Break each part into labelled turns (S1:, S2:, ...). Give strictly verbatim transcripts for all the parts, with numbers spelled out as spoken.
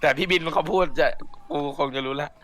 S1: แต่พี่บินเขาพูดจะกูคงจะรู้แล้ว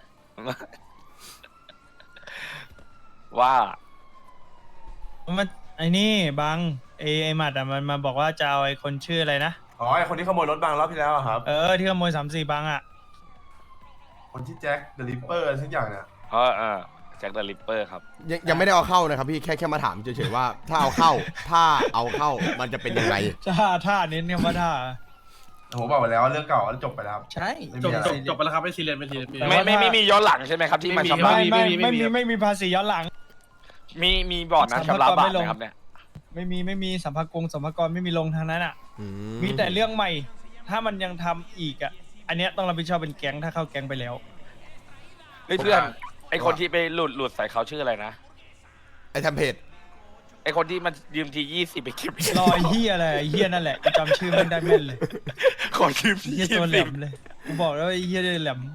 S1: ว่า
S2: มันไอ้นี่บังไอ้ไอ้หมัดอ่ะมันมาบอกว่าจะเอาไอ้คนชื่ออะไรนะ
S3: อ๋อไอคนที่ขโมยรถบางรอบที่แล้วอะครับ
S2: เออที่ขโมยสามสี่บังอ่ะ
S3: คนที่แจ็คเดอะริปเปอร์ทุกอย่างเนี่ย
S1: เออเออแจ็คเดอะริปเปอร์ครับ
S4: ยังยังไม่ได้เอาเข้านะครับพี่แค่แค่มาถามเฉยๆว่า ถ้าเอาเข้าถ้าเอาเข้ามันจะเป็นยังไง
S2: ท่าท่าเน้นคำว่าท่า
S3: ผมบอกไปแล้วว่าเรื่องเก่าจบไปแล้วครับ
S2: ใช่
S3: ไม่
S5: จ
S3: มี
S5: บ
S3: อะไร
S5: จบจบไปแล้วครับไม่ซีเรียสไม่ซีเรียส
S1: ไม่ไม่ไม่มีย้อนหลังใช่ไหมครับที่มาชำระ
S2: ไม่ไม่
S5: ไม่
S2: ไม่
S5: มี
S2: มีไม่มีภาษีย้อนหลัง
S1: มีมีบอร์ดนะชำระบาทนะครับเนี่ย
S2: ไม่มีไม่มีสัมภากงสัมภากรไม่มีลงทางนั้นอ่ะ
S4: อื
S2: มีแต่เรื่องใหม่ ถ้ามันยังทำอีกอ่ะ อันเนี้ยต้องรับผิดชอบเป็นแก๊งถ้าเข้าแก๊งไปแล้ว
S1: เฮ้ยเพื่อนไอคนที่ไปหลุดหลุดใส่เขาชื่ออะไรนะ
S4: ไอ้ทำเพจ
S1: ไอคนที่มันยืมทียี่สิบไปเก็บ
S2: รอยเฮียอะไรไอ้เฮียนั่นแหละจำชื่อมันได้แม่นเลย
S1: ขอยืมที
S2: เฮีย
S1: ยี่
S2: ตัวแหล
S1: สิบ
S2: มเลยกูบอกแล้ววาไอ้เฮียแหลม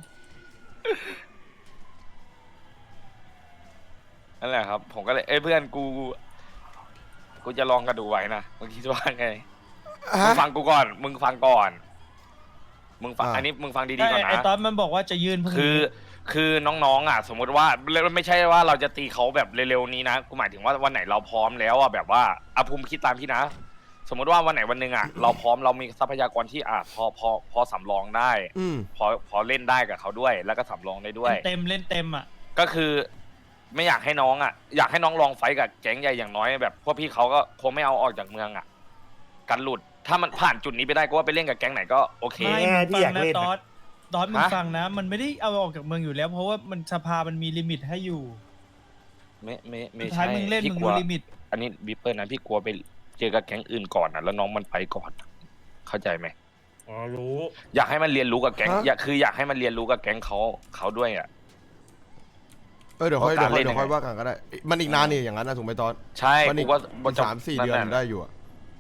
S1: นั่นแหละครับ ผมก็เลยเอ้ยเพื่อนกู กูจะลองกระดูไว้นะมึงคิดว่าไงมึ
S4: ฮะ
S1: งฟังกูก่อน มึงฟังก่อน มึงฟัง
S4: อ่า
S1: อันนี้มึงฟังดี
S2: ไอ้
S1: ๆก่อน
S2: ไอ้
S1: นะ
S2: ตอนมันบอกว่าจะยื่นพรุ่ง
S1: คือ
S2: นี้
S1: คือน้องๆอ่ะ สมมติว่าไม่ใช่ว่าเราจะตีเขาแบบเร็วๆนี้นะกูหมายถึงว่าวันไหนเราพร้อมแล้วอ่ะแบบว่าอาภูมิคิดตามพี่นะ สมมติว่าวันไหนวันหนึ่งอ่ะเราพร้อมเรามีทรัพยากรที่อ่ะพอพอพอสำรองได้
S4: อืม
S1: พอพอเล่นได้กับเขาด้วย แล้วก็สำรองได้ด้วย
S2: เต็มเล่นเต็มอ่ะ
S1: ก็คือไม่อยากให้น้องอ่ะ อยากให้น้องลองไฟท์กับแก๊งใหญ่อย่างน้อยแบบพวกพี่เขาก็คงไม่เอาออกจากเมืองอ่ะกันหลุดถ้ามันผ่านจุดนี้ไปได้ก็ว่าไปเล่นกับแก๊งไหนก็โอเค
S2: ไม่มึงฟังนะตอสตอสมึง
S1: ฮะ
S2: ฟังนะ มันไม่ได้เอาออกจากเมืองอยู่แล้ว เพราะว่ามันสภามันมีลิมิตให้อยู่
S1: ไม่ไม่ไม่
S2: สุดท้าย
S1: ใช่
S2: มึงเล่น
S1: พี่
S2: มึง
S1: กลั
S2: รู้
S1: ว
S2: ลิมิต
S1: อันนี้บิปเปอร์นะพี่กลัวไปเจอกับแก๊งอื่นก่อนนะแล้วน้องมันไปก่อน เข้าใจไหม
S5: อ๋อรู้
S1: อยากให้มันเรียนรู้กับแก๊ง
S4: ฮะ
S1: อยากคืออยากให้มันเรียนรู้กับแก๊งเขาเขาด้วยอ่ะ
S4: เออเดี๋ยวค่อย
S1: เพ
S4: เดี๋ย
S1: ราะ
S4: ว
S1: การ
S4: ค่อย
S1: เล่น
S4: เดี๋ยวค่อยว่ากันก็ได้ มันอีกนานนี่อย่างนั้นนะถูกไหมตอน
S1: ใช่
S4: มัน
S1: กู
S4: อีก
S1: ว่า
S4: มันสามสี่เดือนได้อยู่อะ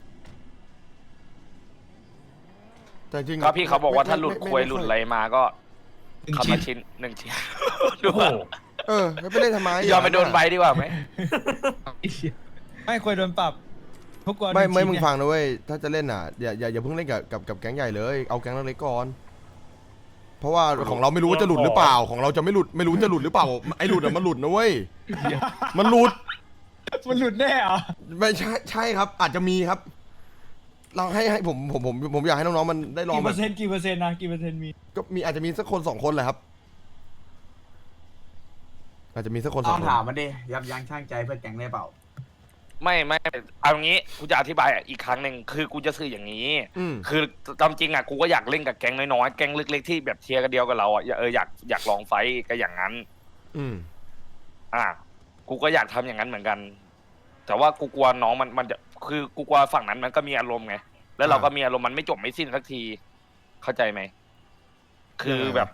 S4: แต่จริง
S1: ก็พี่เขาบอกว่าถ้าหลุด
S4: ไม่
S1: ควย
S4: ไม่
S1: หลุด
S4: ไม่
S1: อะไรมาก็
S2: หนึ่ง
S1: คำ
S2: ชิ้
S1: ละ
S2: น
S1: ชิ้นหนึ่งชิ้น
S5: โอ้โห
S4: เออไม่ไปเล่นทำไม
S1: ยอมไปโดนใบดีกว่าไหม
S2: ไม่ควรโดนปรับทุกคน
S4: ไม่ไม่
S2: ชิ้น
S4: มึง
S2: เนี่ย
S4: ฟังนะเว้ยถ้าจะเล่นอ่ะอย่าอย่าอย่าเพิ่งเล่นกับกับกับแก๊งใหญ่เลยเอาแก๊งเล็กๆก่อน เพราะว่าของเราไม่รู้ว่าจะหลุดหรือเปล่าของเราจะไม่หลุดไม่รู้จะหลุดหรือเปล่าไอ้หลุดอะมันหลุดนะเว้ยมันหลุด
S2: มันหลุดแน่เหรอ
S4: ไม่ใช่ใช่ครับ อาจจะมีครับลองให้ให้ผมผมผมผมอยากให้น้องๆมันได้ลอง
S2: กี่
S4: แบ
S2: เปอบ ร์เซ็นต์กี่เปอร์เซ็นต์นะกี่เปอร์เซ็นต์มี
S4: ก็มีอาจจะมีสักคนสองคนแหละครับ อาจจะมีสักคนส
S6: ต้
S4: อ
S6: อง ง
S4: คน
S6: ถามมันดิยับยั้งชั่งใจเพื่อแก๊งได้เปล่า
S1: ไม่ไม่เอางี้กูจะอธิบายอีกครั้งหนึ่งคือกูจะสื่ออย่างนี้
S4: อืม
S1: คือตามจริงอ่ะกูก็อยากเล่นกับแก๊งน้อยๆแก๊งเล็กๆที่แบบเทียร์กันเดียวกับเราอ่ะเอออยากอยากลองไฟท์ก็อย่างนั้น
S4: อืม
S1: อ่ะกูก็อยากทำอย่างนั้นเหมือนกัน แต่ว่ากูกลัวน้องมันมันจะคือกูกลัวฝั่งนั้นมันก็มีอารมณ์ไงแล้วเราก็มีอารมณ์มันไม่จบไม่สิ้นสักที เข้าใจไหมคือแบบ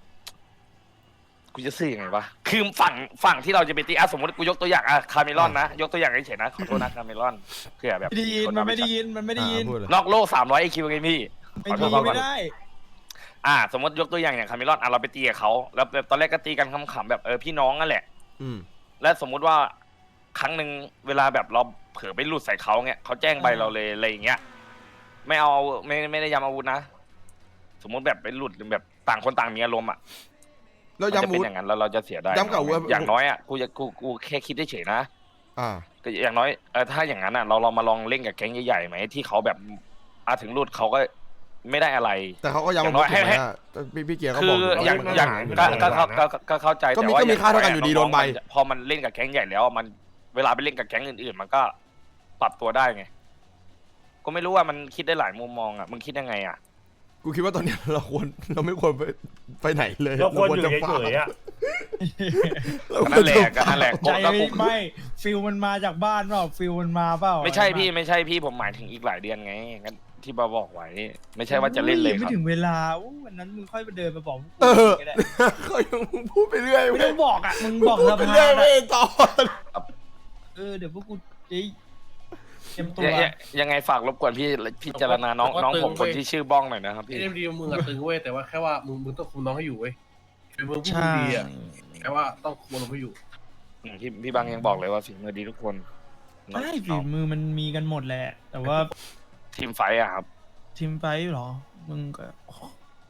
S1: กูจะสื่อยังไงวะคือฝั่งฝั่งที่เราจะไปตีอ่ะสมมติกูยกตัวอย่างอ่ะคาเมลอนนะยกตัวอย่างเฉยๆนะขอโทษนะคาเมลอนเผื่อแบบ
S2: ไม่ได้ยินมันไม่ได้ยินมันไม่ได้ยิน
S4: อ่าพูดเลย
S1: นอกโลกสามร้อยไอคิวไงพี่
S2: ไม่
S1: ขอโท
S2: มี
S1: ษก่อน
S2: ไม่ได้
S1: อ่า สมมติยกตัวอย่างอย่างคาเมลอนอ่ะเราไปตีกับเขาแล้วแบบตอนแรกก็ตีกันขำๆแบบเออพี่น้องนั่นแหละ
S4: อืม
S1: และสมมุติว่าครั้งหนึ่งเวลาแบบเราเผลอไปหลุดใส่เขาเงี้ยเขาแจ้งใบเราเลยอะไรอย่างเงี้ยไม่เอาไม่ไม่ได้ยำอาวุธนะสมมุติแบบไปหลุดแบบต่างคนต่างมีอารมณ์อ่ะ
S4: แล้ว
S1: มันจะ
S4: ย้ำ
S1: เป็
S4: วุ
S1: น
S4: ฒ
S1: อย่างนั้นแล้วเราจะเสียได้
S4: ย้ำกับอาวุธ
S1: อย่างน้อยอ่ะกูจะกูกูแค่คิดเฉยๆนะ
S4: อ่า
S1: ก็อย่างน้อยเออถ้าอย่างนั้นอ่ะเราเรามาลองเล่นกับแก๊งใหญ่ๆไหมที่เขาแบบอาถึงหลุดเขาก็ไม่ได้อะไร
S4: แต่เขาก็ย้ำ
S1: อย่าง
S4: อา
S1: น้
S4: วุ
S1: อ
S4: ธ
S1: ยให้
S4: ถูกไหมอะพี่พี่เกียร์เขา
S1: คื
S4: บอก
S1: อ
S4: อยู่
S1: อย่าง
S4: ว่า
S1: อย่าง
S5: ไม่
S1: ก็
S5: ได้
S1: ก็
S5: ไม่
S1: ก็
S5: ได้
S1: ก็ก็เข้าใจ
S4: ก็มี
S1: แต่ว่
S4: ก็มีค่าเท่ากันอยู่ดีโดนใบ
S1: พอมันเล่นกับแก๊งใหญ่แล้วมันเวลาไปเล่นกับแก๊งอื่นๆ มันก็ปรับตัวได้ไงก็ไม่รู้ว่ามันคิดได้หลายมุมมองอ่ะมึงคิดยังไงอ่ะ
S4: กูคิดว่าตอนเนี้ยเราควรเราไม่ควรไปไปไหนเลย
S5: เราควรอยู่
S4: จะ
S5: เฉยๆอ่ะ
S4: เราคว
S1: นั่
S4: ร
S1: นแหละ
S4: จะ
S1: ก็นั่นแหละ
S2: ใจ
S1: ก็กู
S2: ไม่ฟิลมันมาจากบ้านเปล่าฟิลมันมาเปล่า
S1: ไม่ใช่พี่ไม่ใช่พี่ผมหมายถึงอีกหลายเดือนไงงั้นที่บาบอกไว้ไม่ใช่ว่าจะเล่นเลยค
S2: ไม่
S1: รับ
S2: ถึงเวลาอู้วันนั้นมึงค่อยไปเดินมาบอก
S4: เออ
S2: ก็ได้
S4: เขายังพูดไปเรื่อย
S2: ไม่ต้องบอกอ่ะมึงบอก
S4: พู
S2: ส
S4: ดไป
S2: ภา
S4: เรื่อย
S2: อะ
S4: ไม่ตอน
S2: เออเดี๋ยวพวกกูจะเตรียมตัว
S1: ยังยังยังไงฝากรบกวนพี่พิจารณาน้องน้องผมคนที่ชื่อบ้องหน่อยนะครับ
S5: พี่
S1: พี่
S5: เอ็มดีมึงอะตึงเว้ยแต่ว่าแค่ว่ามึงมึงต้องคุมน้องให้อยู่เว้ยเป็นมึงผู้
S2: ใช่
S5: ดีอะแค่ว่าต้องคุมน้องให้อยู่
S1: อืมพี่พี่บางยังบอกเลยว่าฝีมือดีทุกคน
S2: ใช่ฝีมือมันมีกันหมดแหละ แต่ว่า
S1: ทีมไฟท์อะครับ
S2: ทีมไฟท์เหรอ มึงก็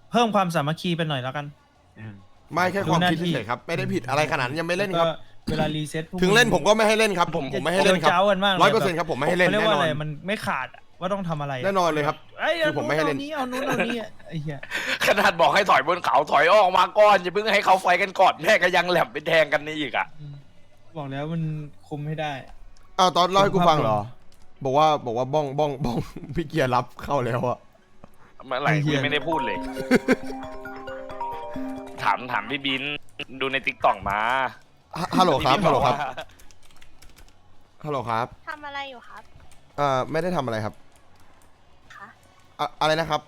S2: เพิ่มความสามัคคีไปหน่อยแล้วกัน
S4: ไม่แค่ความคิด
S2: ดูหน้าที่
S4: เฉยๆครับไม่ได้ผิดอะไรขนาดนั้นยังไม่เล่นครับ
S2: แล้วก็เวลารีเซ็ตพวก
S4: ถึงเล่นผมก็ไม่ให้เล่นครับผมผมไม่ให้เล่นครับ
S2: เจ้ากันมาก
S4: ร้อยเปอร์เซ็นต์ครับผมไม่ให้เล่น
S2: ขาเรียก
S4: แน่น
S2: ว่า
S4: อน
S2: อะไรมันไม่ขาดอะว่าต้องทำอะไระ
S4: แน่นอนเลยครับ
S2: เอ้ย
S4: คือผมไม่ให้เล่น
S2: อานี้เอานู้นเอานี้อะไอ้เหี้ย
S1: ขนาดบอกให้ถอยบนเขาถอยออกมาก่อนอย่าเพิ่งให้เขาไฟกันก่อนแม่ก็ยังแหลมไปแทงกันนี่อีกอ่ะ
S2: อืมบอกแล้วมันคุมให้ได้
S4: อ้าวตอนเล่าให้กูฟังเหรอ บอกว่าบอกว่าบ้องบ้องบ้อง พี่เกียร์รับเข้าแล้วอะ
S1: เมื่อไหร่
S2: ไอ้เหี้
S1: กู
S2: ย
S1: ยังไม่ได้พูดเลย ถามถามพี่บินดูในติ๊กต็อกมา
S4: ฮฮัลโหลครับ
S1: พี่
S4: ฮัล
S1: น
S4: โหล
S1: อก
S4: ครับ
S1: ว่า
S4: ฮัลโหลครับ
S7: ทำอะไรอยู่ครับ
S4: เอ่อไม่ได้ทำอะไรครับ
S7: คะ
S4: อะอะไรนะครับ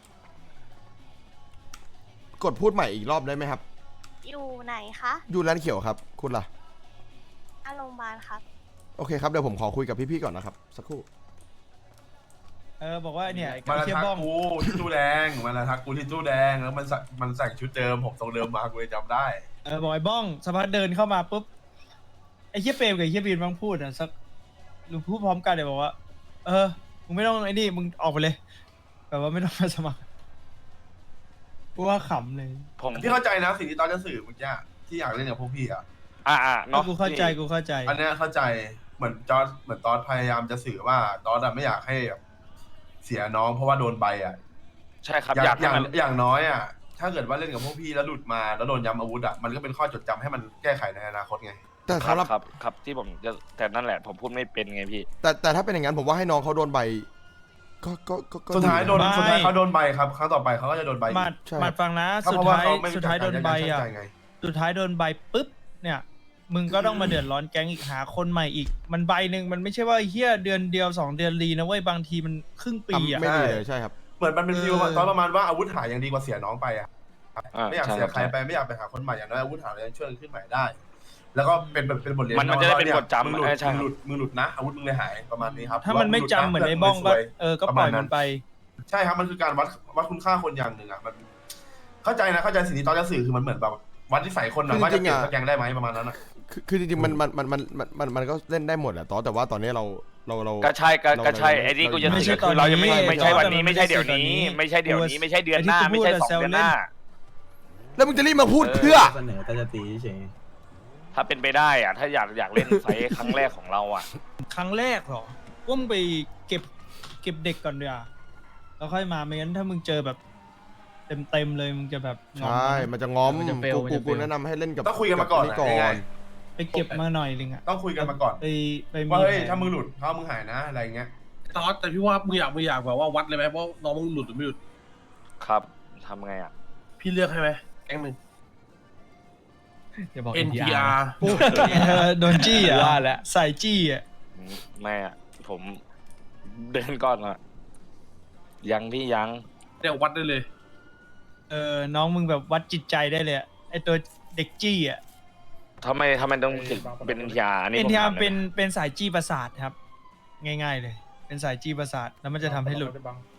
S4: กดพูดใหม่อีกรอบได้ไหมครับ
S7: อยู่ไหนคะ
S4: อยู่ร้านเขียวครับ คุณล่ะ
S7: อ่ะโรงพยาบาลครับ
S4: โอเคครับเดี๋ยวผมขอคุยกับพี่ๆก่อนนะครับ สักครู่
S2: เออบอกว่าเนี่ย
S3: มัน
S2: ไอ้
S3: ละ
S2: เทีย
S3: ทัก
S2: บ้อง
S3: กูที่ตู้แดงมันละทักกูที่ตู้แดงแล้วมันใส่มันใส่ชุดเดิมผมทรงเดิมมากูเลยจำได้
S2: เออบอกไอ้บ้องสภาพเดินเข้ามาปุ๊บไอ้เฮียเปรมกับไอ้เฮียบีนมังพูดอ่ะสักหรือพูดพร้อมกันเดี๋ยวบอกว่า เออมึงไม่ต้องไอ้นี่มึงออกไปเลยแบบว่าไม่ต้องมาสมัครกูว่าขำเลย
S1: ผม
S3: พี่เข้าใจนะสิ่งที่ตอนจะสื่อเมื่อกี้ที่อยากเล่นกับพวกพี่อ่ะ
S1: อ่าอ่าเนาะ
S2: กูเข้าใจกูเข้าใจ
S3: อันเนี้ยเข้าใจเหมือนจอร์ดเหมือนตอสพยายามจะสื่อว่าตอสอะไม่อยากให้แบบเสียน้องเพราะว่าโดนใบอ่ะ
S1: ใช่ครับ
S3: อ
S1: อยาก
S3: ย่าง
S1: ให้
S3: อย่าง
S1: มัน
S3: อย่างน้อยอ่ะถ้าเกิดว่าเล่นกับพวกพี่แล้วหลุดมาแล้วโดนย้ำอาวุธอ่ะมันก็เป็นข้อจดจำให้มันแก้ไขในอนาคตไง
S4: แต่
S1: ครับ
S4: สำหรับ
S1: ครับครับที่ผมจะแต่นั่นแหละ ผมพูดไม่เป็นไงพี่
S4: แต่แต่ถ้าเป็นอย่างนั้นผมว่าให้น้องเขาโดนใบ ก็ก็ก็ก็
S3: สุดท้ายโดน
S2: ไม่
S3: สุดท้ายเขาโดนใบครับครั้งต่อไปเขาก็จะโดนใบอีก
S2: มาด
S4: ใช่
S2: มาดฟังนะ
S3: ก็
S2: สุ
S3: เพ
S2: ด
S3: ราะว่า
S2: ท้าย
S3: เขาไม่
S2: สุดท้ายโดนใบอ่ะ
S3: ช่างใจไง
S2: สุดท้ายโดนใบปุ๊บเนี่ย มึงก็ต้องมาเดือดร้อนแก๊งอีกหาคนใหม่อีก มันใบหนึ่งมันไม่ใช่ว่าเฮียเดือนเดียวสองเดือนรีนะเว้ยบางทีมันครึ่งปีอ่ะ
S4: ทำไม่ดีเลยใช่ครับ
S3: เหมือนมันเป็นฟิล
S2: เออ
S3: ตอนประมาณว่าอาวุธหายยังดีกว่าเสียน้องไปอ่ะ
S1: อ่า
S3: ไม่อยาก
S1: ใช่
S3: เสีย
S1: ครับ
S3: ใครไปไม่อยากไปหาคนใหม่อย่างน้อยอาวุธหายยังช่วยกันขึ้นใหม่ได้ แล้วก็เป็นแบบเป็นบทเรียน
S1: มันมันจะได้เป็น
S3: ว่า
S1: บทจำ
S3: มึงหลุด
S1: เออใช่
S3: มึงหลุดมึงหลุดนะอาวุธมึงเลยหายประมาณนี้ครับ
S2: ถ้ามันไม่จำเหมือนไอ้
S3: ง
S2: บ้องก็
S3: ซวย
S2: เออก็ปล่อยมันไป
S3: ใช่ครับมันคือการวัดวัดคุณค่าคนอย่างหนึ่งอ่ะมัน เข้าใจนะเข้าใจสิ่งที่ตอนจะสื่อคือมันเหมือนแบบวัดนิสัยคนนะว่าจะเปลี่ยนสแกงได้ไหมประมาณนั้นอ่ะ
S4: คือคือจริงๆมันมันมันมันมันมันมันก็เล่นได้หมดแหละตอนแต่ว่าตอนนี้เราเราเรา
S1: ก็ใช่ก็
S4: เรา
S1: ก็ใช่
S4: เรา
S1: ไอ้นี่กูจะ
S2: ไม่
S1: สื่
S2: ใช่
S1: อคือเรายังไม่
S2: ตอนนี้
S1: ไม่ใช่วันนี้
S2: แต่ว่า
S1: ไม่ใช่เดี๋ยว
S2: ตอนนี้
S1: นี้ ไม่ใช่เดี๋ยวนี้ ไม่ใช่เดือนหน้า
S2: ไอ้ที่
S1: ไม่ใช่
S2: กูพูด
S1: สอง
S2: อะ
S1: เดือนหน้า
S2: แซวเล่น
S4: แล้วมึงจะรีบมาพูดเพื่อ
S6: เสนอแต่จะตีเฉย
S1: ถ้าเป็นไปได้อะถ้าอยากอยากเล่นไฟท์ครั้งแรกของเราอ่ะ
S2: ครั้งแรกเหรอว่ามึงไปเก็บเก็บเด็กก่อนเดียวาแล้วค่อยมาไม่งั้นถ้ามึงเจอแบบ เต็มเต็มๆเลยมึงจะแบบงอม
S4: ใช่ มันจะง้อม
S2: มันจะ fail
S4: กู
S2: มัน
S4: กู
S2: จะ
S4: กู
S2: fail
S4: แนะนำให้เล่นกับ
S3: ต้องคุยกันมาก่อน
S4: บ
S3: ง่าย
S2: ไปเก็บมาหน่อยนึงอะ
S3: ต้องคุยกันมาก่อน
S2: ไปไปมี
S3: ว่าเฮ้ย
S2: แผน
S3: ถ้ามึงหลุดถ้ามึงหายนะอะไรเงี้ย
S5: ตอนแต่พี่ว่ามึงอยากมึงอยากแบบว่าวัดเลยไหมว่าน้องมึงหลุดหรือไม่หลุด
S1: ครับทำไงอ่ะ
S5: พี่เลือกให้ไหมแก๊งหนึ่ง
S8: อย่าบอก
S5: เอ็น ที อาร์
S2: เออโดนจี้อ่ะ
S8: ว่าแล้ว
S2: ใส่จี้อ่ะ
S1: ไม่อ่ะ ผมเดินก่อนอ่ะ ยังพี่ยัง
S5: เดี๋ยววัดได้เลย
S2: เออน้องมึงแบบวัดจิตใจได้เลยอะไอตัวเด็กจี้อ่ะ
S1: ทำไมทำไมต้องถึงเป็นเอ็นทีอาร์อันนี้
S2: เอ็น
S1: ผม
S2: ทีอา
S1: ถาม
S2: ร์
S1: ได้
S2: เป็น
S1: ไหม
S2: เป็นสายจี้ประสาทครับ ง่ายๆเลย เป็นสายจี้ประสาทแล้วมันจะทำให้หลุด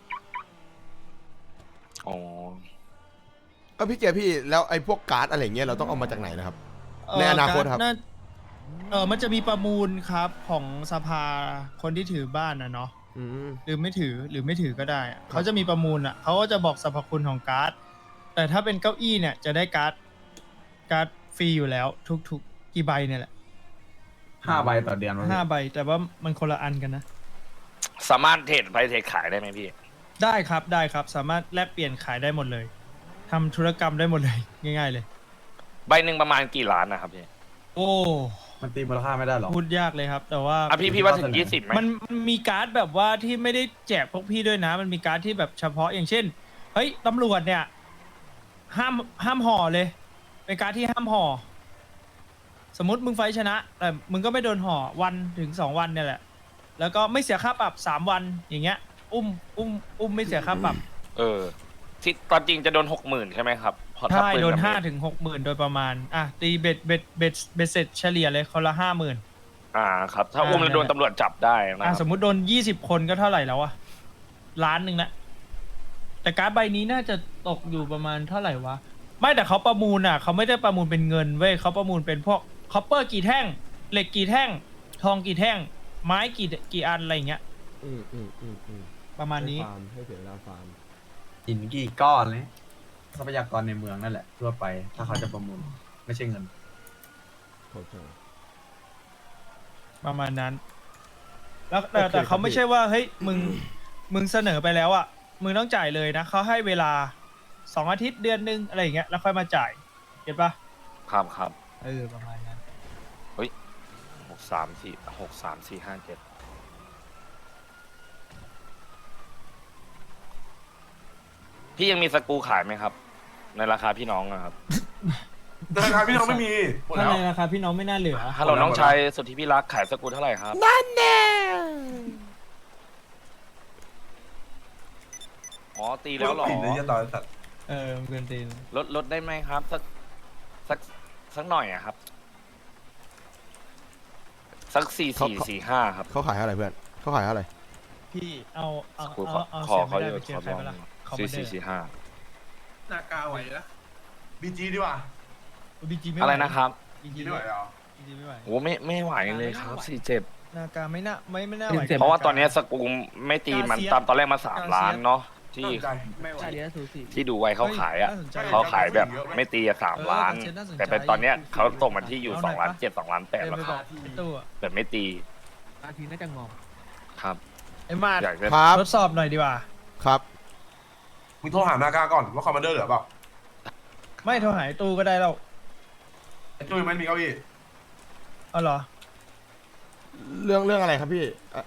S1: อ๋อ
S4: ก็พี่เกียร์พี่แล้วไอ้พวกการ์ดอะไรเงี้ยเราต้องเอามาจากไหนนะครับ ในอนาคตครับ
S2: เน่เออมันจะมีประมูลครับของสภาคนที่ถือบ้านนะเนาะ
S4: อืม
S2: หรือไม่ถือหรือไม่ถือก็ได้อะเขาจะมีประมูลอ่ะเขาก็จะบอกสรรพคุณของการ์ด แต่ถ้าเป็นเก้าอี้เนี่ยจะได้การ์ดการ์ดฟรีอยู่แล้ว ทุกๆกี่ใบเนี่ยแหละ
S6: ห้าใบต่อเดือนวะ
S2: ห้าใบแต่ว่ามันคนละอันกันนะ
S1: สามารถเทรดไปเทรดขายได้ไหมพี่
S2: ได้ครับได้ครับสามารถแลกเปลี่ยนขายได้หมดเลยทำธุรกรรมได้หมดเลย ง่ายๆเลย
S1: ใบหนึ่งประมาณกี่ล้านนะครับพี่
S2: โอ้
S6: มันตีมูลค่าไม่ได้หรอ
S2: พูดยากเลยครับ แต่ว่า
S1: อ่ะพี่พี่ว่าถึงยี่สิบไหม
S2: มันมันมีการ์ดแบบว่าที่ไม่ได้แจกพวกพี่ด้วยนะ มันมีการ์ดที่แบบเฉพาะอย่างเช่นเฮ้ยตำรวจเนี่ยห้ามห้ามห่อเลยเป็นการ์ดที่ห้ามห่อสมมติมึงไฟท์ชนะแต่มึงก็ไม่โดนห่อวันถึงสองวันเนี่ยแหละ แล้วก็ไม่เสียค่าปรับสามวันอย่างเงี้ย อุ้มอุ้มอุ้มไม่เสียค่าปรับ
S1: เออ ที่ตอนจริงจะโดนหกหมื่นใช่ไหมครับเพราะถ้า
S2: ใช่
S1: ปื
S2: โดน
S1: กับ
S2: ห้า
S1: เม็ด
S2: ถึงหกหมื่นโดยประมาณอ่ะตีเบ็ดเบ็ดเบ็ดเบ็ดเสร็จเฉลี่ยเลยคนละห้าหมื่น
S1: อ่าครับ ถ้า
S2: อ่า
S1: อุ้มแล้วโดน
S2: นั่นแหละ
S1: ตำรวจจับได้นะ
S2: อ่ะ
S1: ค
S2: ส
S1: รับ
S2: มมุติโดนยี่สิบคนก็เท่าไหร่แล้วอะล้านหนึ่งละแต่การ์ดใบนี้น่าจะตกอยู่ประมาณเท่าไหร่วะ ไม่แต่เขาประมูลอ่ะเขาไม่ได้ประมูลเป็นเงินเว้ยเขาประมูลเป็นพวกคอปเปอร์กี่แท่ง เหล็กกี่แท่ง ทองกี่แท่ง ไม้กี่กี่อันอะไรอย่างเงี้ย
S4: อืมอืมอืมอืม
S2: ประมาณนี้
S4: ให้ฟาร์มให้เสียเวลาฟาร์ม
S6: หินกี่ก้อนเลยทรัพยากรในเมืองนั่นแหละทั่วไปถ้าเขาจะประมูลไม่ใช่เงิน
S2: ประมาณนั้น แล้วแต่แต่เขาไม่ใช่ว่าเฮ้ยมึงมึงเสนอไปแล้วอ่ะมึงต้องจ่ายเลยนะเขาให้เวลาสองอาทิตย์เดือนหนึงอะไรอย่างเงี้ยแล้วค่อยมาจ่ายเก็ตปะ
S1: ครับครับ
S2: เออประมาณนั้น
S1: หกสามสี่หกสามสี่ห้าเจ็ดพี่ยังมีสกรูขายไหมครับ ในราคาพี่น้องนะครับ
S3: ราคาพี่น้องไม่มีหมด
S2: ถ้า
S3: แล้ว
S2: ในราคาพี่น้องไม่น่าเหลือ
S1: ฮัลโหลน้องชายสุดที่พี่รักขายสกรูเท่าไหร่ครับอ๋อตีแล้วเหรอ
S3: ปิดเลยจะต่อสัตว์
S2: เออมันเกินตีน
S1: ลดลดได้ไหมครับ สักสักสักหน่อยอะครับ สักสี่สี่สี่ห้าครับ
S4: เขาขายอะไรเพื่อนเขาขายอะไร
S2: พี่เอาเอา
S1: สกรู
S2: เอาเอา
S1: ขอ
S2: เสีย
S1: เขา
S2: ไม่
S1: อ
S2: ได้
S1: ยู่
S2: ไปเจ
S1: ข
S2: อ
S1: อ
S2: ใคร
S1: ลอง
S2: ไปละคอม
S1: สี่
S2: เม
S1: สี่
S2: เดอร์
S1: สี่ห้า
S5: หน้ากาไหวนะ
S3: บีจีดีกว่า
S2: บีจีไม่ไหว
S1: อะไรนะครับ
S2: บี
S3: บี
S2: จี
S3: จีไม่ไหวเหรอ
S2: บีจีไม่ไหว
S1: โอ้ไม่ไม่ไหวเลยครับสี่เจ็ด
S2: นาการไม่น่าไม่ไม่น่าไหว
S1: เพราะว่าตอนนี้สกรูไม่ตีมันตามตอนแรกมาสามล้านเนาะที่
S3: น่าสนใจ
S6: ไม่ไหว
S1: ที่ดูไว้เขาขายอ่ะ
S2: น่สนใจ
S1: เขาขายแบบไม่ตีอะสาม
S2: เออ
S1: ล้าน
S2: น่าสนใจ
S1: แต่เป็นตอนเนี้ยเขาตกมาที่อยู่
S2: เอาห
S1: ส
S2: น่
S1: อ
S2: อย
S1: งล้าน
S2: ปะ
S1: เจ็ดสองล้านแปด
S2: เดิน
S1: แล้ว
S2: ไป
S1: ค
S2: บอ
S1: รั
S2: ก
S1: บ
S2: ไอ้ตู้อะ
S1: แบบไม่ตี
S8: อาทีน่าจะงอม
S1: ครับ
S2: ไอ้มาด
S1: อยากจะ
S4: ครับ
S2: ทดสอบหน่อยดีกว่า
S4: ครับ
S3: มึงโทรหานากาก่อนว่าคอมมานเดอร์เหลือเปล่า
S2: ไม่โทรหาไอ้ตู้ก็ได้แล้ว
S3: ไอ้จุ้ยมันมีเก้าอี้
S2: เอาเหรอ
S4: เรื่องเรื่องอะไรครับพี่อ่ะ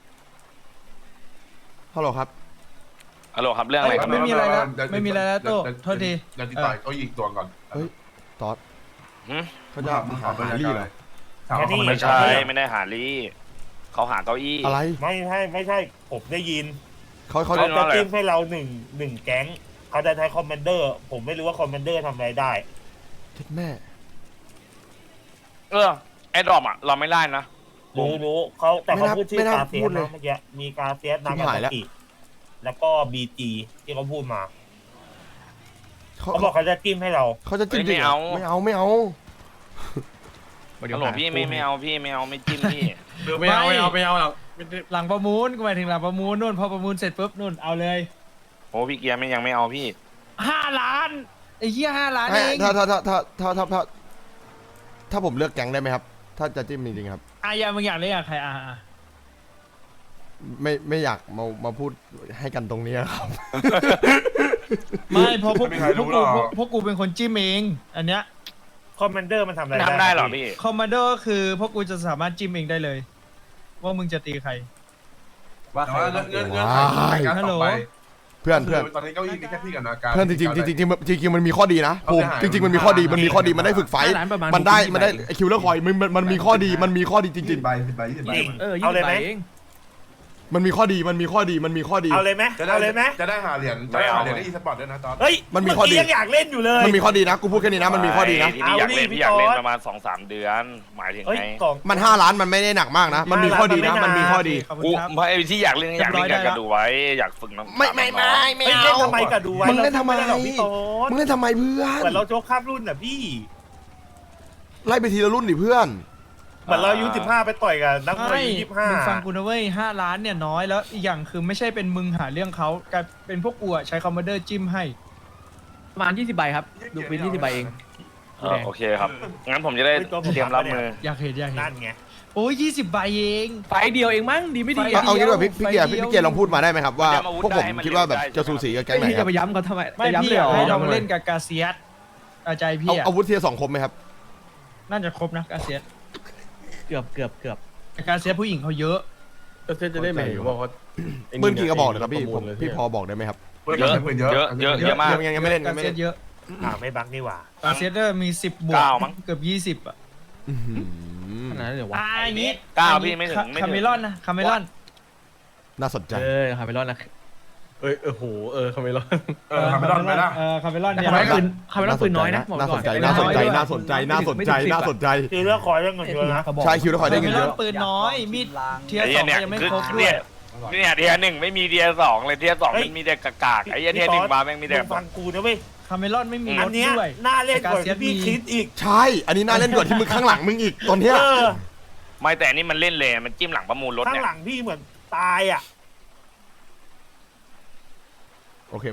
S4: ฮัลโหลครับ
S1: ฮัลโหลครับเรื่องอะไรครับ
S2: ไม่มีอะไรแล้ว
S3: เดี๋ย
S2: ไม่มีอะไรแล้วโต้
S3: เดี๋ย
S2: โทษที
S3: เดี๋ยวติดต่อเก้าอี้อีกตัวก่อน
S4: เฮ้ย ตอด
S1: หึ
S4: เขาจะหาหาลี่เหรอ
S3: ถามว่าคอมมานเดอ
S1: ไม่
S3: ร์
S1: ใช่ไม่ได้หาลี่เขาหาเก้าอี้
S4: อะไร
S9: ไม่ใช่ไม่ใช่ผมได้ยิน
S4: เขาเขา
S1: เรื่
S9: เขา
S1: อง
S9: จะจิ้มให้เราหนึ่งหนึ่งแก๊งเขาจะใช้คอมมานเดอร์ ผมไม่รู้ว่าคอมมานเดอร์ทำอะไรได้
S4: เจ็ดแม่
S1: เออไอ้ดอมอ่ะเราไม่ได้นะ
S9: รู้รู้เขาแต่เขา
S4: ไม่น่า
S9: พูดชื่อ
S4: ไม่น่า
S9: กาเซีย
S4: พู
S9: ส
S4: ดเลย
S9: นะเมื่อกี้มีกาเซียสนากา
S4: ชิบหาย
S9: ซา
S4: แล้ว
S9: กิแล้วก็บีจีที่เขาพูดมา
S4: เขา
S9: เขาบอกเขาจะจิ้มให้เรา
S4: เขาจะจิ้ม
S1: เฮ้ย
S4: จริงเหรอ
S1: ไม่
S4: ไม่
S1: เอา
S4: เอาไม่เอา
S1: ฮัลโหลพี่ไม่ไม่เอาพี่ไม่เอาไม่จิ้มพี่
S5: ไม่เอาไม่เอาไม่เอาหรอกไม่ได้
S2: หลังประมูลก็หมายถึงหลังประมูลนู่นพอประมูลเสร็จปุ๊บนู่นเอาเลย
S1: โอ้พี่เกียร์ไม่ยังไม่เอาพี่
S2: ห้าล้านไอ้เหี้ยห้าล้าน
S4: ไม่
S2: เอง
S4: ถ้าถ้าถ้าถ้าถ้าถ้าถ้าถ้าผมเลือกแก๊งได้ไหมครับ ถ้าจะจิ้มจริงๆครับ
S2: อายามึงอยากเล่นกับใครอ่ะอ่ะ
S4: ไม่ไม่อยากมามาพูดให้กันตรงนี้ครับ
S2: ไม่เพราะพวก
S3: ไม่มีใคร
S2: พว
S3: รู้
S2: ก
S3: หร
S2: กู
S3: อก
S2: พวกกูเป็นคนจิ้มเองอันเนี้ย
S9: คอมมานเดอร์มันทำอะไร
S1: ทำได้เหรอพี่
S2: คอมมานโดก็คือพวกกูจะสามารถจิ้มเองได้เลย ว่ามึงจะตีใคร
S6: ว่า
S3: แต่
S6: ใคร
S3: ว่า
S6: ต้
S3: เงื่
S6: อ
S3: อง น
S6: เก
S3: เงื่
S6: ลี
S3: อย น
S6: ด
S3: เงื่อนไขในการ
S2: ฮัลโหล
S3: ต่อไป
S4: เพื่อนเพื่อน
S3: คืตอนนี้เก้าอี้มีแค่พี่กับนาการ
S4: เพื่อนจริงๆจริงๆจริงๆจริงๆมันมีข้อดีนะ
S3: เอา
S4: ภู
S3: ไป
S4: มิ
S3: หา
S4: จริงๆมันมีข้อดีมันมีข้อดีมันได้ฝึกไฟท์
S8: ร้านประมาณ
S4: มันได้
S8: หกสิบ
S4: มันได้
S8: ใบ
S4: คิวเลอร์คอยมันมันมันมีข้อดีมันมีข้อดีจ
S3: ยี่
S4: ริ
S3: สิ
S4: ง
S3: บใบสิบใบยี่สิบใบ
S9: จริง
S8: เออ
S9: เอาเลยไหม
S8: เอง
S4: ๆ มันมีข้อดีมันมีข้อดีมันมีข้อดี
S9: เอาเลยไหม
S3: จะได้
S9: เอาเลยไหม
S3: จะได้หาเหรียญจะได้หาเหรียญได้อีสปอร์ตด้วยนะตอน
S9: เฮ้ย
S4: มันมีข้อดี
S9: เกี้ยังอยากเล่นอยู่เลย
S4: มันมีข้อดีนะกูพูดแค่นี้นะมันมีข้อดีนะ
S1: ที่พี่อยากเล่น
S9: เอาดิ
S1: พี่อยากเล่น
S9: พี่ต๊อด
S1: ประมาณสองสามเดือน หมายถึง
S9: เฮ้ย
S1: ไง
S9: กล่อง
S4: มันห้าล้านมันไม่ได้หนักมากนะ มันมีข้อดีนะมันมีข้อดี
S2: ขอบคุณ
S1: กู
S2: ครับ
S1: ไม่ไอ้ที่อยากเล่นอยากเล่น
S2: เรี
S1: อย ยา
S2: บร้อยได้
S1: กจะดูไว้อยากฝึกน้อง
S4: ไม่ไม่ไม่
S1: น้อง
S4: ไม่
S9: เฮ้ย
S4: เอา
S9: เล่นทำไมกับดูไว้
S4: มึงเล่นทำไม
S9: ราด้หรอกพี่โต๊ด
S4: มึงเล่นทำไมเพื่อน
S9: เหมือนเราโจ๊กข้ามรุ่นน่ะพี่
S4: ไล่ไปทีละรุ่นดิเพื่อน
S9: เหมือนเราอายุสิบห้าไปต่อยกับนักมวย
S2: ไม่
S9: อายุยี่สิบห้า
S2: มึงฟังกูนะเว้ยห้าล้านเนี่ยน้อยแล้วอีกอย่างคือไม่ใช่เป็นมึงหาเรื่องเขากลายเป็นพวกกูอะใช้คอมมานเดอร์จิ้มให้
S8: ประมาณยี่สิบใบครับดูเป็นยี่สิบใบเอง
S1: เออโอเคครับงั้นผมจะได้เตรียมรับมือ
S2: อยากเห็นอยากเห็
S9: นั่
S2: น
S9: นไง
S2: โอ้ยยี่สิบใบเอง
S8: ไฟเดียวเองมั้งดีไม่ดี
S2: ไฟ
S8: อะ
S4: เอางี้ดีกว่าพี่พี่เกียร์
S2: ไฟเดียว
S4: พี่เกียร์ลองพูดมาได้ไหมครับว่า
S1: เดี๋ยวมาวุฒิ
S4: พวกผม
S1: ได้ให้มัน
S4: คิดว่าแบบ
S1: เล่นได้
S4: จะสูสีกับแก๊งไหน
S8: พี่
S4: ครั
S8: จะ
S4: บ
S8: ไปย้ำเขาทำไม
S2: ไม่
S8: จะย้ำ
S2: พี่
S8: เลย
S2: อ
S8: เหร
S2: ยาก
S8: อ
S2: ให้ลองเล่นกับกาเซียสอาใจพี่
S4: เอา
S2: อะ
S4: อาวุธเทียร์สองคมไหมครับ
S2: น่าจะครบนะกาเซียส
S8: เกือบเกือบเกือบ
S2: แต่กาเซียสผู้หญิงเขาเยอะ
S6: ก็เซตจะได้ไหมายว่าเขา
S4: ปืนกี่กระบอกเลยครับพี่ผมพี่พอบอกได้ไหมครับ
S1: เยอะ
S3: ปืนเยอะ
S1: เยอะเยอะเยอะมาก
S4: ยังยังไม่เล่น
S2: กา
S4: ยังไม่
S2: เซีย
S4: เล่
S2: ส
S4: น
S2: เยอะ
S9: อ่าไม่บักนี่หว่า
S2: กาเซียสเดอร์มีสิบบวก
S1: เก้ามั้ง
S2: เกือบยี่สิบอะ
S4: อื้อหือ
S8: ขนาดนั้นเลยวะ
S2: อ่าอย่างงี้
S1: เก้า
S2: อัน
S1: พี่
S2: นี้
S1: ไม่ถึงไม่ถึง
S2: คาเมลอนนะคาเมลอน
S4: น่าสนใจ
S8: เออคาเมลอนนะ
S6: เอ้ยเออโหเออคาเมลอน
S3: เออทำไม่ได้ไหมล่ะ
S2: เออคาเมลอน
S8: แต่
S2: เนี่ย
S8: คาเมลอนปืนคาเมลอนปืนน้อยนะบอก
S4: น่า
S8: ก่
S4: ส
S8: อน
S4: นใจน่าสนใจน่าสนใจน่าสนใจน่าสนใจ
S9: คือเลือกคอยเรื่องเงินเยอะนะ
S4: ใช่คิวแล้วคอยได้
S2: คาเม
S4: เงิน
S2: ล
S4: เย
S2: อน
S4: อะ
S2: ปืนน้อยมีดเทียร์
S1: ไอ้
S2: สอง
S1: เนี่ย
S2: ยังไม่
S1: คือ
S2: ครบด้ว
S1: เนี่ย ยเนี่ยเทียร์หนึ่งไม่มีเทียร์สองเลยเทียร์สองมันมีแต่กากๆไอ้เหี้ยเทียร์หนึ่งมาแม่งมีแต่
S9: งฟังกูนะเว้ย
S2: คาเมลอนไม่มีร
S9: อัน
S2: ถ
S9: เนี้ย
S2: ด้วย
S9: น่าเล่นกว่า
S2: แต่กาเซียส
S9: ที่พี่
S2: มี
S9: คิดอีก
S4: ใช่ อันนี้น่าเล่นกว่าที่มึงข้างหลังมึงอีกตอนเนี้ย
S9: เออ
S1: ไม่แต่อันนี่มันเล่นเลยมันจิ้มหลังประมูลรถ
S9: ข้าง
S1: เนี่ย
S9: หลังพี่เหมือนตายอ่ะ
S4: โอเคไหม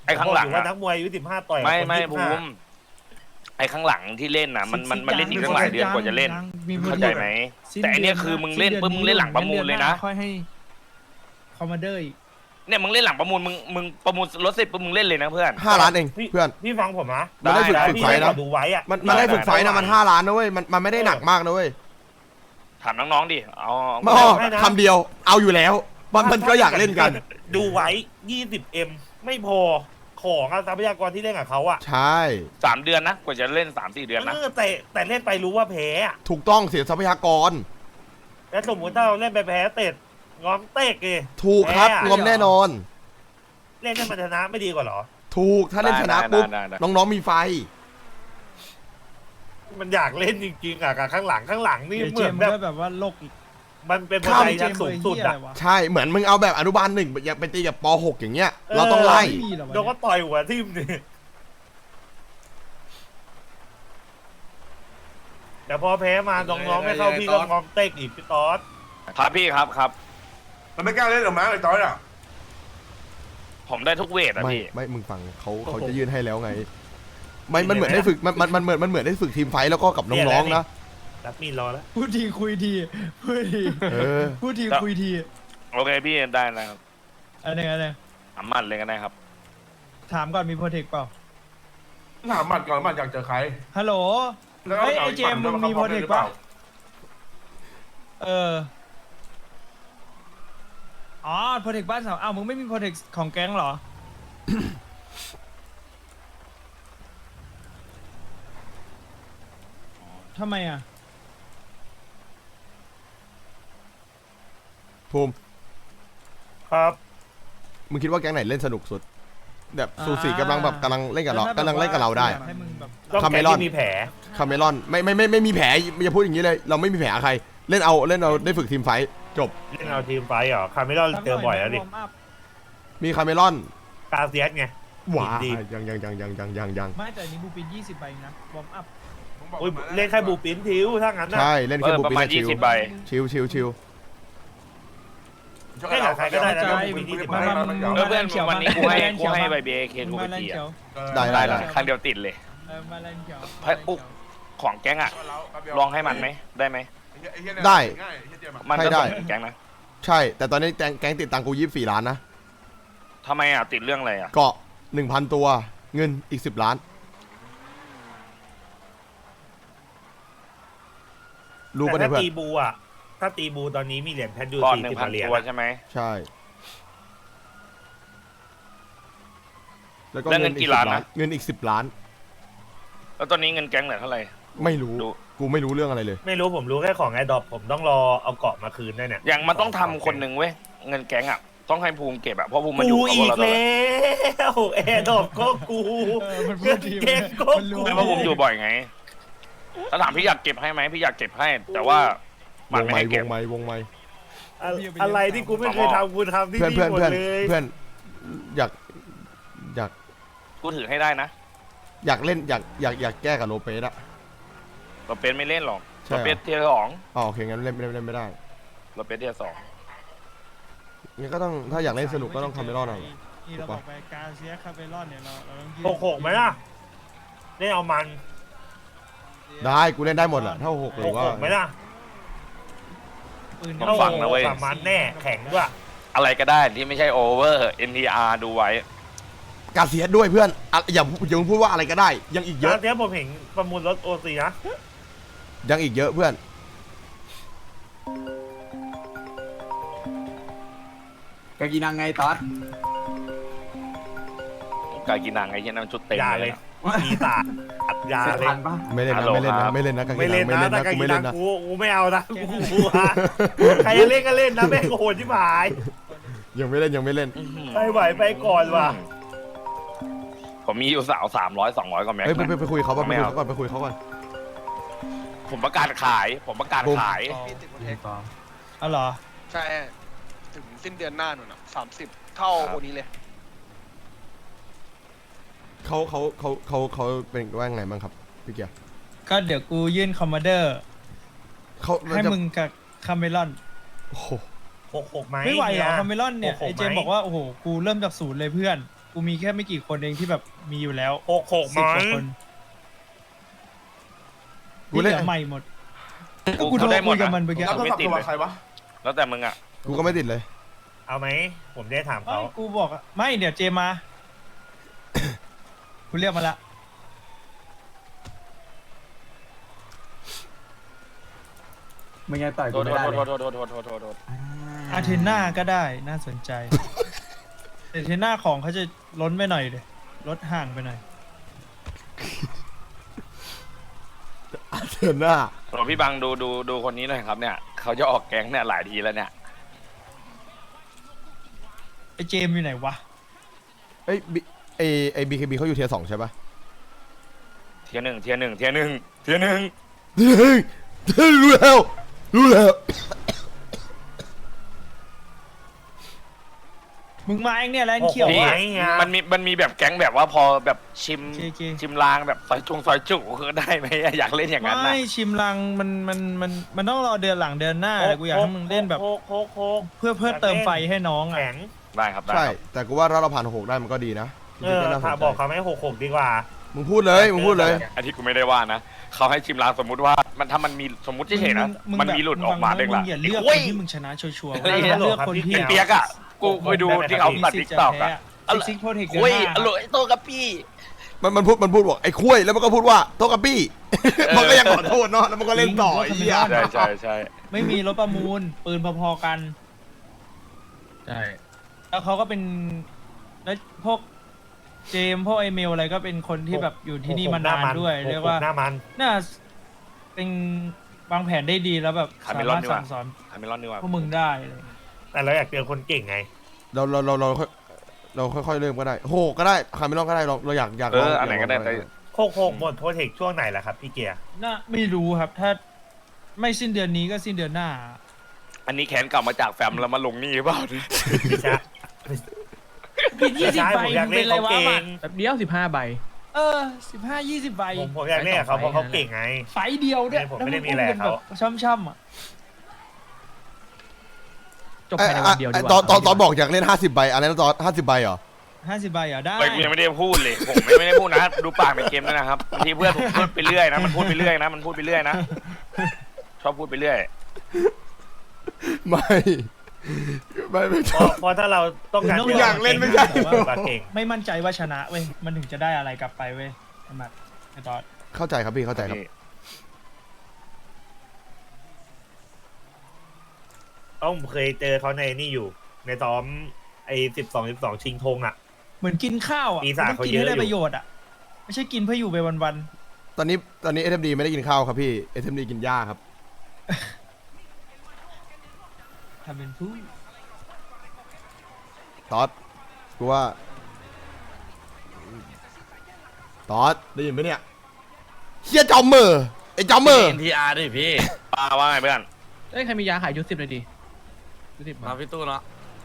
S1: ไอ้ข้างหลัง
S9: ผมบอกอยู่ว่า
S1: อะ
S9: นักมวยอายุสิบห้าต่อยกับ
S1: ไม่
S9: คน
S1: ไม่
S9: ยี่สิบ
S1: ภู
S9: ห้า
S1: มิไอ้ข้างหลังที่เล่นน่ะมันมันมันเล่นอีกตั้งหลายเดือนกว่าจะเล่น
S2: มี
S1: เข้าใจไหม แต่อันเนี้ยคือมึงเล่นปุ๊บมึงเล่นหลังประมูลเลยนะ
S2: ค่อยให้คอมมานเดอร์อีก
S1: เนี่ยมึงเล่นหลังประมูลมึงมึงประมูลรถเสร็จปุ๊บมึงเล่นเลยนะเพื่อน
S4: ห้าล้านเอง
S9: พี่
S4: เพื่อน
S9: พี่ฟังผมนะ
S4: มันได้ฝึก
S1: ได้
S4: ฝึก
S9: พี่
S4: ไฟ
S9: ให้
S4: นะ
S9: เขาดูไว้อะ
S4: มันมันได้ฝึกไฟนะมันห้าล้านนะเว้ยมันมันไม่ได้หนักมากนะเว้ย
S1: ถามน้องๆดิเอา
S4: ไม่อ้อคำเดียวเอาอยู่แล้วมันมันก็อยากเล่นกัน
S9: ดูไว้ ยี่สิบเอ็ม ไม่พอของอะทรัพยากรที่เล่นกับเขาอะ
S4: ใช่
S1: สามเดือนนะกว่าจะเล่นสามสี่เดือนนะ
S9: เออแต่แต่เล่นไปรู้ว่าแพ้อะ
S4: ถูกต้องเสียทรัพยากร
S9: แล้วสมมติถ้าเราเล่นไปแพ้เตะงอมเตะเก
S4: ถูกครับ
S9: แพ้อะ
S4: งอมแน่นอน
S9: เล่นให้มันชนะไม่ดีกว่าเหรอ
S4: ถูกถ้าเล่นชนะปุ๊บ
S1: ได้ได้ได้
S4: น้องๆมีไฟ
S9: มันอยากเล่นจริงๆอะกับข้างหลังข้างหลังนี่
S2: เดี๋ยว
S9: เห
S2: เจ
S9: มือ
S2: ม
S9: น
S2: ส์
S9: แบบ
S2: ก็แบบว่าโลกอีก
S9: มันเป็นบัน
S4: ข้าม
S9: ได
S2: เจ
S9: ชั้น
S2: มส์
S9: สูง
S2: เบอร์
S9: สุด
S2: เหี้ย
S9: อะ
S2: อะไรวะ
S4: ใช่เหมือนมึงเอาแบบอนุบาลหนึ่งอยากไปตีกับปหกอย่างเงี้ย เราต้องไล่
S2: ไม่มีหรอวะ
S9: โดนก็ต่อยหัวทิ่มนี่แต่พอแพ้มาน้องๆไม่เข้าพี่ก็งอมเตะอีกพี่ต๊อด
S1: ครับพี่ครับครับ
S3: มันไม่กล้าเล่นหรอกมั้งไอ้ตอนอ่ะ
S1: ผมได้ทุกเวทอะ
S4: ไม่
S1: พี่
S4: ไม่มึงฟังเขาเขาจะยื่นให้แล้วไงไม่มันเหมือนได้ฝึกมันมันมันเหมือนมันเหมือนได้ฝึกทีมไฟท์แล้วก็กับน้องๆนะ
S9: รับมีดรอแล้ว
S2: พูดทีคุยทีพูดที
S4: เออ
S2: พูดทีคุยที
S1: โอเคพี่ได้นะครับ
S2: อันนี้อันนี้
S1: สามมันเลยก็ได้ครับ
S2: ถามก่อนมีโปรเทคเปล่า
S3: ถามหมัดก่อนหมัดอยากเจอใคร
S2: ฮัลโหล
S3: แล้ว
S2: เฮ้ย
S3: า
S2: ไอ้เจมส์มึงมีโปรเทค
S3: หรือเป
S2: ปะ
S3: ล่า
S2: เออ อ๋อโปรเทคบ้านสาวอ้าวมึงไม่มีโปรเทคของแก๊งเหรอ ทำไมอ่ะ
S4: ภูมิ
S9: ครับ
S4: มึงคิดว่าแก๊งไหนเล่นสนุกสุด แบบ
S2: อ่า
S4: สูสีกำลังแบบกำลังเล่นกับเรา
S2: แล้วถ้
S4: กำลังเล่นกับเราได้
S2: อยให้มึงแบบ
S9: ต้อง
S4: คาเม
S9: แก
S4: รอน
S9: ที่มีแผล
S4: คาเมรอนไม่ไม่ไม่ไม่มีแผลอย่าพูดอย่างนี้เลย เราไม่มีแผลใคร เล่นเอาเล่นเอาได้ฝึกทีมไฟท์จบ
S9: เล่นเอาทีมไฟท์เหรอคาเมรอนเจอบ่อยแล้วดิ
S2: วร์มอัพ
S4: มีคาเมรอน
S9: กาเซียสไง
S4: ว้า
S9: ดี
S4: ยังยังยังยังยังยังยัง
S2: ไม่แต่อันนี้บูปินยี่สิบใบนะวอร์มอัพ
S9: อุ้ยเล่นแค่บูปินทิวถ้างั้นนะ
S4: ใช่เล่น
S1: เอ
S4: แค่
S1: อ
S4: บุ
S1: ประ
S4: ปิ
S1: มาณ
S4: น
S1: ยี่
S4: ชิว
S1: สิบใบ
S4: ชิวชิวชิว
S9: เล่นกับใครก็ได้นะ
S2: ใช่
S9: บูปินยี่สิบ
S2: มา
S9: ใบ
S2: มามา
S1: เออเพื่อน
S2: ขียว
S1: วันนี้กูให้กูให้ใบเบเค
S2: มึ
S1: ทู
S2: ง
S1: ไป
S2: มาแลน
S1: ตี
S2: เขีย
S1: อะ
S2: ว
S4: ได้
S1: ได้
S4: ได้
S1: ละครั้งเดียวติดเลย
S2: เออมาแลนเขียว
S1: ให้อุ๊ก ของแก๊งอะลองให้มันไหมได้ไหม
S4: ได้
S3: ง่ายไอ้เหี้ยเจมส์อะ
S1: มัน
S4: ให้
S1: ก็
S4: ได้
S1: ส่งแก๊งนะ
S4: ใช่ แต่ตอนนี้แก๊งแก๊งติดตังค์กูยี่สิบสี่ล้านนะ
S1: ทำไมอะติดเรื่องอะไรอะ
S4: เกาะหนึ่งพันตัวเงินอีกสิบล้าน รู้
S9: แต่
S4: ปะเนี่ย
S9: ถ้า
S4: เพื่อน
S9: ตีบูอ่ะถ้าตีบูตอนนี้มีเหรียญแพทยู
S1: ก่อน
S9: สี่
S1: หนึ่
S9: สิ
S1: ง
S9: บ
S1: พัน
S9: เหรียญ
S1: ตัว
S9: อะ
S1: ใช่ไหม
S4: ใช่ แล้วก็
S1: แล้วเงินกี่ล้านนะ
S4: เงินอีกสิบล้าน
S1: แล้วตอนนี้เงินแก๊งเหลือเท่าไหร่
S4: ไม่รู้
S1: ดู
S4: กูไม่รู้เรื่องอะไรเลย
S9: ไม่รู้ผมรู้แค่ของไอ้ดอปผมต้องรอเอาเกาะมาคืนด้วยเนี่ย
S1: อย่างมันต้องทำคนหนึ่งเว้ยเงินแก๊งอะต้องให้ภูมิเก็บอะเพราะภูมิมันอยู่
S9: กู
S1: กับ
S9: อี
S1: พวก
S9: ก
S1: เราตลอด
S9: แล้วแอร์ดอปก็กู
S2: เออมันพู
S9: เงิ
S2: ด
S9: น
S2: ที
S9: เก็บก็
S2: มันรู้
S9: กู
S1: ไม่เพราะภูมิอยู่บ่อยไงถ้าถามพี่อยากเก็บให้ไหมพี่อยากเก็บให้ แต่ว่าว มัน
S4: ง
S1: ไม่
S4: ไม้
S1: ให้
S4: ว
S1: เก็บ
S4: งไม้วงไม้
S9: อะอะไรที่กูไม่เคยทำกูทำที่
S4: เพื่อน
S9: นี่
S4: เพื่อน
S9: หมด
S4: เพื่อน
S9: เลย
S4: เพื่อนอยากอยาก
S1: กูถือให้ได้นะ
S4: อยากเล่นอยากอยากอยากแก้กับโลเปสอะ
S1: เราเป็นไม่เล่นหรอก
S4: ใช่
S1: เรา
S4: เหรอ
S1: เป็นเทียร์สอง
S4: อ๋อโอเคงั้นเล่นไม่ได้เล่นไม่ได้
S1: เราเป็นเทียร์สอง
S4: งั้นก็ต้องถ้าอยากเล่นสนุกก็ต้องคาเมรอนเอา
S2: นี่เราบอกไปการเซียคาเมรอนเนี่ยเราเราต้องยื่น
S9: หกหกไหมล่ะเล่นเอามัน
S4: ได้กูเล่นได้หมดแหละถ้าหกห
S9: ห
S4: รือก ว่า
S9: หกไหมล่ะ
S2: ปืน
S1: ต้องฟังนะเว้ย
S9: สามมันแน่แข็งด้วย
S1: อะไรก็ได้ที่ไม่ใช่โอเวอร์ เอ็น ที อาร์ ดูไว้
S4: กาเซียสด้วยเพื่อนอ่ะอย่าอย่าพูดว่าอะไรก็ได้ ยังอีกเย
S9: แล้
S4: อะ
S9: วเดี๋ยวผมเห็นประมูลรถโอซีนะ
S4: ยังอีกเยอะเพื่อน
S6: กากินังไงตอด
S1: กากินังไอ้เหี้ยนั่นชุดเต็ม
S9: อย่าเลย มีตาดอย่า
S6: เสร็จ
S9: เลย
S6: ทันปะ
S4: ไม่เล่น
S1: ฮั
S4: นะ
S1: ลโหล
S4: ไม่เล่น
S1: ครั
S4: นะ
S1: บ
S4: ไม่เล่นนะกา
S9: ไม่
S4: กินั
S9: เล่
S4: ง
S9: น
S4: ไม่
S9: นะ
S4: เล่น
S9: ถ้า
S4: นะ
S9: กา
S4: กู
S9: กิ
S4: ไม่
S9: นั
S4: เล่
S9: ง
S4: นนะ
S9: กูกูไม่เอานะกูกลัวใครจะเล่นก็เล่นนะแม่งโหดที่หมาย
S4: ยังไม่เล่นยังไม่เล่น
S9: ไปไหวไปก่อนว่ะ
S1: ผมมีอยู่สาวสามร้อยสองร้อยกว่าแม็ก
S4: เฮ้ยไปไป
S1: นะ
S4: ไปคุยเขาป่ะไป
S1: ไม่
S4: คุย
S1: เอา
S4: เขาก่อนไปคุยเขาก่อน
S1: ผมประกาศขาย ผมประกาศขาย
S2: อ๋อเหรอ
S10: ใช่ถึงสิ้นเดือนหน้าหนูนะสามสิบเท่าคนนี้เลย
S4: เขาเขาเขาเขาเขาเป็นว่าไงบ้างครับพี่เกียร์
S2: ก็เดี๋ยวกูยื่นคอมมานเดอร์
S4: เขา
S2: ให้มึงกับคาเมรอน
S4: โอ้โห
S9: หกหกไหม
S2: ไม่ไหวเหรอ
S9: นี่ย
S2: คาเมรอนเนี่ย
S9: หกหก
S2: ไอเจม
S9: ไหม
S2: บอกว่าโอ้โหกูเริ่มจากศูนย์เลยเพื่อน กูกูมีแค่ไม่กี่คนเองที่แบบมีอยู่แล้ว
S9: หกหกไหม
S2: สิบกว่าคน
S4: กู
S2: ที่เห
S4: เล่
S2: ลื
S4: น
S2: อใหม่หมดก็กูโทร
S1: ได้หม
S2: คุ
S1: ด
S2: ยกับ
S1: อะ
S2: มันเมื่อกี้
S3: แล้วโทรศัพท์
S1: ไม่ติด
S3: ตัว
S1: เลย
S3: ใครวะ
S1: แล้วแต่มึงอ่ะ
S4: กูก็ไม่ติดเลย
S9: เอาไหมผมได้ถาม
S2: เอ้
S9: เขา
S2: ยกูบอกอะไม่เดี๋ยวเจมมา กูเรียกมาละ
S6: ไม่งั้นต่อย
S1: โท
S6: กู
S1: ษ
S6: ไม่
S1: โทษ
S6: ได้
S1: โทษ
S6: เลย
S1: โทษโทษโทษโทษโทษโทษ
S2: อาเทน่าก็ได้น่าสนใจ แต่เทน่าของเขาจะล้นไปหน่อยเลยลดห่างไปหน่อย
S4: เถื่อนหน้า
S1: โหลพี่บังดูดูดูคนนี้หน่อยครับเนี่ยเขาจะออกแก๊งเนี่ยหลายทีแล้วเนี่ย
S2: ไอเจมอยู่ไหนวะ
S4: เอ้ยบิไอไอบีเคบีเขาอยู่เทียร์สองใช่ปะ
S1: เทียร์หนึ่งเทียร์หนึ่งเทียร์หนึ่งเทียร์หนึ่ง
S4: เฮ้ยเฮ้ยรู้แล้วรู้แล้ว
S2: มึงมาเองเนี่ยแลน
S9: หก
S2: เขียว
S9: หก
S2: อะ
S9: ไหมเฮีย
S1: มันมีมันมีแบบแก๊งแบบว่าพอแบบชิม
S2: โอเค
S1: ชิมลางแบบซอยจุงซอยจุคือได้ไหมอยากเล่นอย่างนั้นนะ
S2: ไม่ชิมลังมันมันมันมันต้องรอเดือนหลังเดือนหน้าแต่กูอยากให้มึงเล่นแบบ
S9: โคกโคกโคก
S2: เพื่อเพื่อเติมไฟให้น้องอ่ะ
S9: แข็ง
S1: ได้ครับได้
S4: ใช่
S1: ครับ
S4: แต่กูว่าถ้าเราผ่านหกได้มันก็ดีนะ
S9: เออ
S4: ก็น่าสน
S9: ถ้า
S4: ใจ
S9: บอกเขาไม่หกหกดีกว่า
S4: มึงพูดเลยมึงพูดเลย
S1: อันที่กูไม่ได้ว่านะเขาให้ชิมลางสมมุติว่ามันถ้ามันมีสมมติเฉยๆนะมันมีหลุดออกมาเด้ง
S2: มึ
S1: ละ
S2: งอย่าเลือก
S1: โอ้
S2: ค
S1: ย
S2: นที่มึงชนะชัวร์ๆ
S1: เฮ้ย
S2: เลือกคนที่
S9: พี่
S1: เปียกอ่ะกูไปดูที่เขาตัด
S2: มี
S1: ติ๊ก
S2: สิทธิ์
S1: ต็อก
S2: จะ
S1: อ่ะ
S2: แพ้ซิกซิกโปรเทคเดือน
S1: โอ้ย
S2: หน้า
S1: อร่อยโตกับพี่
S4: มันมันพูดมันพูดบอกไอ้คุ้ยแล้วมันก็พูดว่าโตกับปี้ มันก็ยังขอโทษเนาะแล้วมันก็เล่นต่อไอ้เหี้ย
S1: ใช่ใช่ใช่
S2: ไม่มีรถประมูลปืนพอๆกัน
S8: ใช่
S2: แล้วเขาก็เป็นแล้วพวกเจมส์พวกไอเมลอะไรก็เป็นคนที่แบบอยู่ที่นี่มานานด้วยเรียกว่า
S9: หน้ามัน
S2: น่าเป็นวางแผนได้ดีแล้วแบบ
S1: คา
S2: สา
S1: เมลอ
S2: มาน รถ
S1: ดีกว่า
S2: สั่งสอน
S1: คาเมลอนดีกว่า
S2: พวกมึงได้เลย
S9: แต่เราอยากเจอคนเก่งไง
S4: เราเราเราเราค่อยเราค่อยๆเริ่มก็ได้โหก็ได้คาร์เมลอนก็ได้เราเราอยากอยาก
S1: เอ
S4: ลง
S1: ออันไหนก็ได้แต่
S9: โคกโคกหมดโปรเทคช่วงไหนล่ะครับพี่เกียร์
S2: น่าไม่รู้ครับ ถ้าไม่สิ้นเดือนนี้ก็สิ้นเดือนหน้า
S1: อันนี้แขนกลับมาจากแฟมแล้วมาลงนี่หรือเปล่าเนี่ย
S9: พี่ชะ
S2: ผิดยี่สิบ
S9: ใช่
S2: ใบ
S9: ผมอยาก
S2: มึงเป็น
S9: เล่น
S2: ไร
S9: เขา
S2: วะ
S9: เก่
S2: มั
S9: ง
S2: น
S8: แบบเดียวสิบห้าใบ
S2: เออสิบห้ายี่สิบใบ
S9: ผมผมอยากเล่นกับเขาเพราะเขาเก่งไง
S2: ไฟเดียวด้วย
S9: ไม่ผมไม่ได้มีอะไรกับเขา
S2: ช่ำๆอ่ะ
S8: จบภายในวันเดียวดี
S4: ไอ้
S8: กว่า
S4: ตอนตอนตอนบอกอยากเล่นห้าสิบใบอะไรนะตอนห้าสิบใบเหรอ
S2: ห้าสิบใบเหรอได้
S1: เฮ้ยกูยังไม่ได้พูดเลยผมไม่ไม่ได้พูดนะดูปากในเกมด้วยนะครับบางทีเพื่อนผมพูดไปเรื่อยนะมันพูดไปเรื่อยนะมันพูดไปเรื่อยนะชอบพูดไปเรื่อย
S4: ไม่ไม่ไม่
S9: เพ
S4: ชอ
S9: ราะ
S4: บ
S9: เพราะถ้าเราต้องการ
S4: กูอยากเล่นไม่ใช่
S9: ปาเก่ง
S2: ไม่มั่นใจว่าชนะเว้ยมันถึงจะได้อะไรกลับไปเว้ยไอ้หมัดไอ้ตอน
S4: เข้าใจครับพี่เข้าใจครับ
S9: ต้องเคยเจอเขาในนี่อยู่ ในซ้อมไอ้สิบสองสิบสองชิงธงอ่ะ
S2: เหมือนกินข้าวอ่ะ
S9: ปีศาจ
S2: มันต้องกิน
S9: เขาเยอะ
S2: ให้ได้
S9: อยู่
S2: ประโยชน์อ่ะไม่ใช่กินเพื่ออยู่ไปวัน
S4: ตอนนี้ตอนนี้เอ ดี ไม่ได้กินข้าวครับพี่เอ ดี กินหญ้าครับ
S2: ๆทำเป็นผู้
S4: ตอดกูว่าตอดได้ยินไหมเนี่ยเฮียจอมเมอร์ไอ้จอมเมอร์
S1: เอ็นทีอาร์ดิพี่ป้าว่าไงเพื่อน
S8: เอ้ยใครมียาขายยุดสิบเลยดิยุดสิบ
S1: มาพี่ตู้เนาะ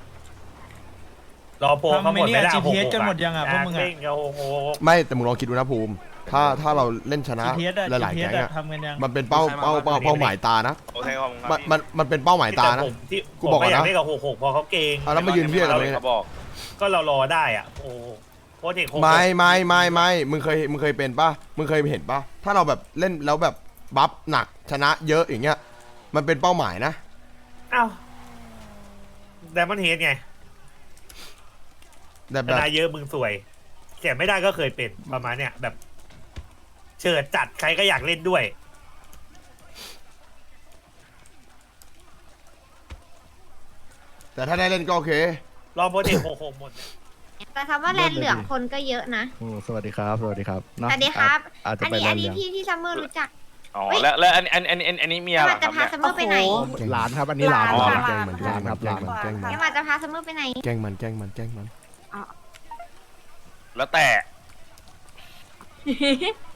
S9: รอโพลเขา
S2: ทำ
S9: ห
S2: ไอ้
S9: มด
S2: เนี่
S9: ไม่
S2: ย
S9: ได้
S2: จีพีเอสกันหมดยังอ่ะพวกมึงอ่ะ
S9: เล่นกับโอ้โห
S4: ไม่แต่มึงลองคิดดูนะภูมิ ถ้าถ้าเราเล่นชนะ
S2: จีพีเอสอ่ะ
S4: หลายๆ
S2: จีพีเอ
S4: แก๊
S2: ส
S4: ง
S2: อ่ะ
S4: อะ
S2: ทำกันยัง
S4: มันเป็นเป้าเป้าเป้าเป้าหมายตานะ
S1: โอเคขอบคุณครับ
S4: มัน
S1: พี่
S4: มันมันเป็นเป้าหมายตานะ
S9: แต่ผมที่
S4: กูบอกก่อนนะ
S9: ผมไม่อยากเล่นกับหกหกเพอเขาเก่ง
S4: อ่ะแล้วมายืนเพี้ยอะไร
S1: ไม่
S4: เนี่ย
S1: เขาบอก
S9: ก็เรารอได้อ่ะโอ้โหโปรเทคหกหก
S4: ไม่ไม่ไม่ไม่มึงเคยมึงเคยเป็นป่ะมึงเคยเห็นป่ะถ้าเราแบบเล่นแล้วแบบบัฟหนักชนะเยอะอย่างเงี้ยมันเป็นเป้าหมายนะ
S9: อ้าวไดมอนเฮดไง
S4: แต่
S9: ช
S4: แบบ
S9: นะเยอะมึงสวยเสียไม่ได้ก็เคยเป็นประมาณเนี้ยแบบเชิดจัดใครก็อยากเล่นด้วย
S4: แต่ถ้าได้เล่นก็โอเค
S9: รอโปรเทคหกหกหมด
S7: แต่คำว่าแลนเหลืองคนก็เยอะนะ
S6: สวัสดีครับ สวัสดีครับ
S7: สวัสดีครับ
S6: อาจจะ
S7: อัน
S6: ไป
S7: นี้
S6: แล
S7: อั
S6: น
S7: น
S6: ด์
S7: นี้
S6: เหลือง
S7: พี่ที่ซัมเมอร์รู้จัก
S1: อ๋อแล้วแล้วอันอันอันอันอันนี้เมียเหร
S7: มา
S1: อค
S7: จะ
S1: รับ
S7: พา
S1: เนี่ย
S7: ซัมเมอร์ไปไหน
S6: หลานครับ อันนี้หลาน
S7: หลาน
S6: แกล้งเหมือนหลานครับหลาน
S4: แกล้งมัน
S7: แกมาจะพาซัมเมอร์ไปไหน
S4: แกล้งมันแกล้งมันแกล้งมัน
S1: แล้วแต่